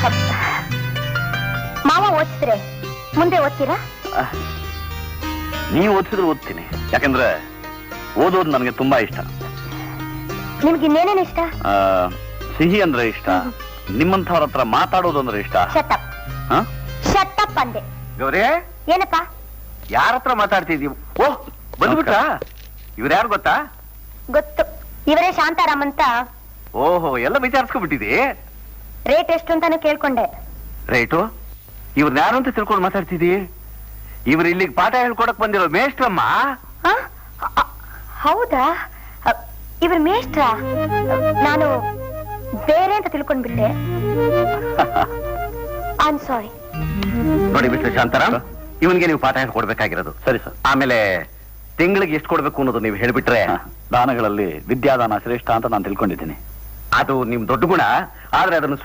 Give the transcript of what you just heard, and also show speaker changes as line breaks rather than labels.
ಮಾವ ಓದಿಸಿದ್ರೆ ಮುಂದೆ ಓದ್ತೀರಾ?
ನೀವು ಓದಿಸಿದ್ರೆ ಓದ್ತೀನಿ, ಯಾಕಂದ್ರೆ ಓದೋದು ನನಗೆ ತುಂಬಾ ಇಷ್ಟ.
ನಿಮ್ಗೆ ಇನ್ನೇನೇನು ಇಷ್ಟ?
ಸಿಹಿ ಅಂದ್ರೆ ಇಷ್ಟ, ನಿಮ್ಮಂಥವ್ರ ಹತ್ರ ಮಾತಾಡೋದು ಅಂದ್ರೆ ಇಷ್ಟ.
ಶಟಪ್
ಹ?
ಶಟಪ್ ಅಂದೆ.
ಗೌರಿ,
ಏನಪ್ಪ?
ಯಾರ ಹತ್ರ ಮಾತಾಡ್ತಿದೀವಿ? ಓಹ್, ಬಂದ್ಬಿಟ್ಟ. ಇವ್ರು ಯಾರು ಗೊತ್ತಾ?
ಗೊತ್ತು, ಇವರೇ ಶಾಂತಾರಾಮ್ ಅಂತ.
ಓಹೋ, ಎಲ್ಲ ವಿಚಾರಿಸ್ಕೊಂಡ್ಬಿಟ್ಟಿದಿ.
ರೇಟ್ ಎಷ್ಟು ಅಂತಾನು ಕೇಳ್ಕೊಂಡೆ.
ರೈಟು, ಇವ್ರನ್ನ ಯಾರು ಅಂತ ತಿಳ್ಕೊಂಡು ಮಾತಾಡ್ತಿದಿ? ಇವ್ರು ಇಲ್ಲಿಗೆ ಪಾಠ ಹೇಳ್ಕೊಡಕ್ ಬಂದಿರೋ ಮೇಷ್ಟ್ರಮ್ಮ.
ಆ? ಹೌದಾ? ಇವ್ರ ಮೇಷ್ಟ್ರ? ನಾನು ಬೇರೆ ಅಂತ ತಿಳ್ಕೊಂಡ್ಬಿಟ್ಟೆ. I am sorry.
ನೋಡಿ ಮಿಸ್ಟರ್ ಶಾಂತಾರಾಮ್, ಇವನ್ಗೆ ನೀವು ಪಾಠ ಹೇಳ್ಕೊಡ್ಬೇಕಾಗಿರೋದು.
ಸರಿ ಸರ್.
ಆಮೇಲೆ ತಿಂಗಳಿಗೆ ಎಷ್ಟು ಕೊಡ್ಬೇಕು ಅನ್ನೋದು ನೀವು ಹೇಳ್ಬಿಟ್ರೆ.
ದಾನಗಳಲ್ಲಿ ವಿದ್ಯಾದಾನ ಶ್ರೇಷ್ಠ ಅಂತ ನಾನು ತಿಳ್ಕೊಂಡಿದ್ದೀನಿ.
ಅದು ನಿಮ್ ದೊಡ್ಡ ಗುಣ, ಆದ್ರೆ ಅದನ್ನು